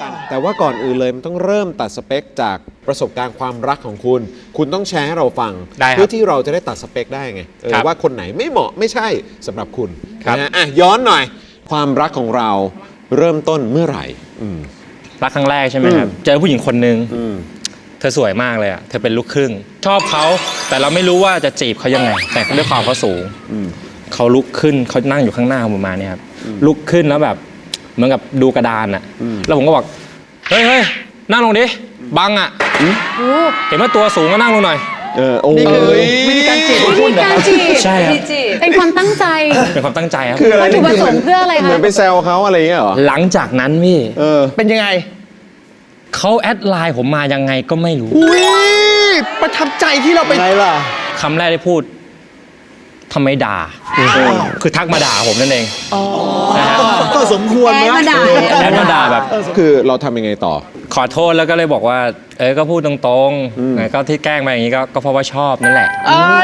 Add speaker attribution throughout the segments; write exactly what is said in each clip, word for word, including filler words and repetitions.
Speaker 1: กันแต่ว่าก่อนอื่นเลยมันต้องเริ่มตัดสเปคจากประสบการณ์ความรักของคุณคุณต้องแชร์ให้เราฟังเพื่อที่เราจะได้ตัดสเปคได้ไงว่าคนไหนไม่เหมาะไม่ใช่สำหรับคุณนะอ่ะย้อนหน่อยความรักของเราเริ่มต้นเมื่อไหร่
Speaker 2: รักครั้งแรกใช่ไหมครับเจอผู้หญิงคนนึงเธอสวยมากเลยอ่ะเธอเป็นลูกครึ่งชอบเขาแต่เราไม่รู้ว่าจะจีบเขายังไงแต่ด้วยความเขาสูงเขาลุกขึ้นเขานั่งอยู่ข้างหน้าผมมาเนี่ยครับลุกขึ้นแล้วแบบเหมือนกับดูกระดานอ่ะแล้วผมก็บอกเฮ้ยเฮ้ยนั่งลงดิบังอ่ะเห็นว่าตัวสูงก็นั่งลงหน่อย
Speaker 1: เออโอ้ย
Speaker 3: วิธีการจีบของคุณนะครับ
Speaker 2: ใช่ครับ
Speaker 4: เป็นความตั้งใจ
Speaker 2: เป็นความตั้งใจครับ
Speaker 1: คืออะไร
Speaker 4: วัตถุประสงค์เพื่ออะไรคะ
Speaker 1: เหมือนไปแซวเขาอะไรอย่างเงี้ยเหรอ
Speaker 2: หลังจากนั้นพี่
Speaker 1: เออ
Speaker 3: เป็นยังไง
Speaker 2: เขาแอดไลน์ผมมายังไงก็ไม่รู้
Speaker 3: อุ้ยประทับใจที่เราไป
Speaker 1: ไงล่ะ
Speaker 2: คำแรกที่พูดทำไมด่าคือทักมาด่าผมนั่นเอง
Speaker 1: ก็สมควรนะ
Speaker 2: แอดมาด่าแบบ
Speaker 1: คือเราทำยังไงต่อ
Speaker 2: ขอโทษแล้วก็เลยบอกว่าเออก็พูดตรงๆก็ที่แกล้งมาอย่างนี้ก็เพราะว่าชอบนั่นแหละ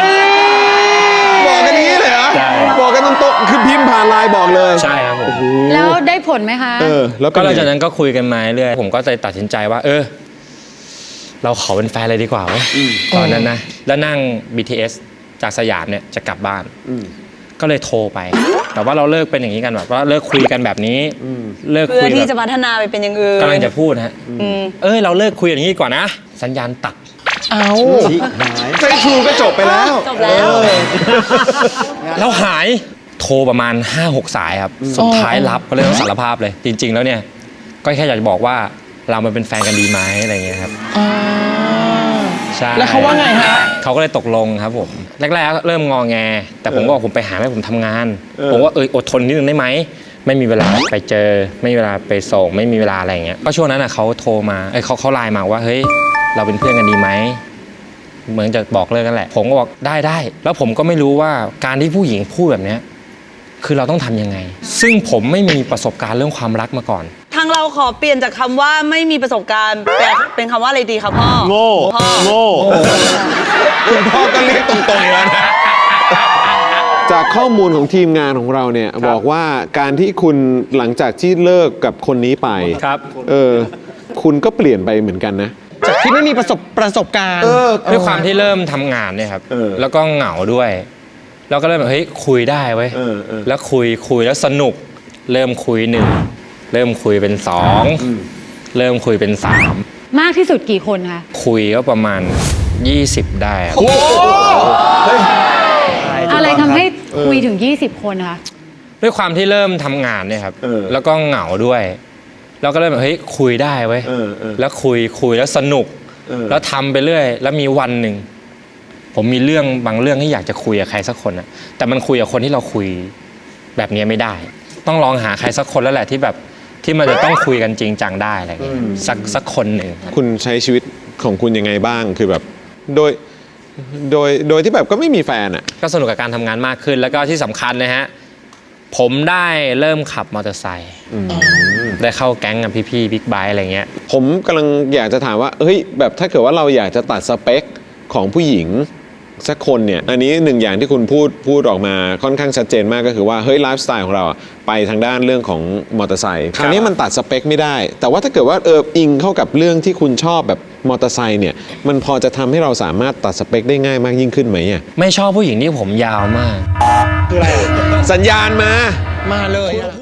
Speaker 1: บอกกันนี้เลยเหรอบอกกันตรงๆคือพิมพ์ผ่านไลน์บอกเลย
Speaker 2: ใช่ครับผม
Speaker 4: แล้วได้ผลไหมคะ
Speaker 1: เออแล้ว
Speaker 2: ก็หลังจากนั้นก็คุยกันมาเรื่อยผมก็เลยตัดสินใจว่าเออเราขอเป็นแฟนเลยดีกว่าตอนนั้นนะแล้วนั่ง บี ที เอส จากสยามเนี่ยจะกลับบ้านก็เลยโทรไปแต่ว่าเราเลิกเป็นอย่างนี้กันแบบว่าเลิกคุยกันแบบนี้
Speaker 5: เลิกคุยเพื่อที่จะพัฒนาไปเป็นอย่างอื่น
Speaker 2: กำลังจะพูดฮะเอ้ยเราเลิกคุยอย่างนี้ก่อนนะสัญญาณตัด
Speaker 3: เอา
Speaker 1: เฟซทูก็จบไปแล้ว
Speaker 5: จบแล้ว
Speaker 2: แล้วหายโทรประมาณ ห้าหก สายครับสุดท้ายรับก็เลยต้องสารภาพเลยจริงๆแล้วเนี่ยก็แค่อยากจะบอกว่าเรามาเป็นแฟนกันดีไหมอะไรเงี้ยครับใช่
Speaker 3: แล้วเขาว่าไงฮะ
Speaker 2: เขาก็เลยตกลงครับผมแรกๆเริ่มงอแงแต่ผมก็บอกผมไปหาแม่ผมทำงานผมว่าเอออดทนนิดนึงได้ไหมไม่มีเวลาไปเจอไม่มีเวลาไปส่งไม่มีเวลาอะไรเงี้ยก็ช่วงนั้นอ่ะเขาโทรมาเอ้ยเขาเขาไลน์มาว่าเฮ้ยเราเป็นเพื่อนกันดีไหมเหมือนจะบอกเลิกกันแหละผมก็บอกได้ได้แล้วผมก็ไม่รู้ว่าการที่ผู้หญิงพูดแบบนี้คือเราต้องทำยังไงซึ่งผมไม่มีประสบการณ์เรื่องความรักมาก่อน
Speaker 5: ทางเราขอเปลี่ยนจากคำว่าไม่มีประสบการณ์แปลเป็นคำว่าอะไรดีครับพ่อ
Speaker 1: โง่
Speaker 5: พ่อ
Speaker 1: โง่คุณพ่อก็เรียกตรงๆแล้วนะจากข้อมูลของทีมงานของเราเนี่ยบอกว่าการที่คุณหลังจากที่เลิกกับคนนี้ไป
Speaker 2: ครับ
Speaker 1: เออคุณก็เปลี่ยนไปเหมือนกันนะ
Speaker 3: จากที่ไม่มีประสบประสบการณ์
Speaker 2: ด้วยความที่เริ่มทำงานเนี่ยครับแล้วก็เหงาด้วยแล้วก็เริ่มแบบเฮ้ยคุยได้เว้ยแล้วคุยคุยแล้วสนุกเริ่มคุยหนึ่งเริ่มคุยเป็นสองเริ่มคุยเป็นสาม
Speaker 4: มากที่สุดกี่คนคะ
Speaker 2: คุยก็ประมาณยี่สิบได้ครับ
Speaker 4: อะไรทำให้คุยถึงยี่สิบคนคะ
Speaker 2: ด้วยความที่เริ่มทำงานเนี่ยครับแล้วก็เหงาด้วยแล้วก็เริ่มแบบเฮ้ยคุยได้เว้ยแล้วคุยคุยแล้วสนุกแล้วทำไปเรื่อยแล้วมีวันหนึ่งผมมีเรื่องบางเรื่องที่อยากจะคุยกับใครสักคนอะแต่มันคุยกับคนที่เราคุยแบบนี้ไม่ได้ต้องลองหาใครสักคนแล้วแหละที่แบบที่มันจะต้องคุยกันจริงจังได้อะไรอย่างเงี้ยสักสักคนหนึ่ง
Speaker 1: คุณใช้ชีวิตของคุณยังไงบ้างคือแบบโดยโดยโดยที่แบบก็ไม่มีแฟนอ่ะ
Speaker 2: ก็สนุกกับการทำงานมากขึ้นแล้วก็ที่สำคัญนะฮะผมได้เริ่มขับมอเตอร์ไซค์ได้เข้าแก๊งกับพี่ๆบิ๊กไบค์อะไรเงี้ย
Speaker 1: ผมกำลังอยากจะถามว่าเฮ้ยแบบถ้าเกิดว่าเราอยากจะตัดสเปคของผู้หญิงสักคนเนี่ยอันนี้หนึ่งอย่างที่คุณพูดพูดออกมาค่อนข้างชัดเจนมากก็คือว่าเฮ้ยไลฟ์สไตล์ของเราไปทางด้านเรื่องของมอเตอร์ไซค์คราวนี้มันตัดสเปคไม่ได้แต่ว่าถ้าเกิดว่าเอออิงเข้ากับเรื่องที่คุณชอบแบบมอเตอร์ไซค์เนี่ยมันพอจะทำให้เราสามารถตัดสเปคได้ง่ายมากยิ่งขึ้นไหมอ่ะ
Speaker 2: ไม่ชอบผู้หญิงที่ผมยาวมาก
Speaker 1: คืออะไรสัญญาณมา
Speaker 3: มาเลย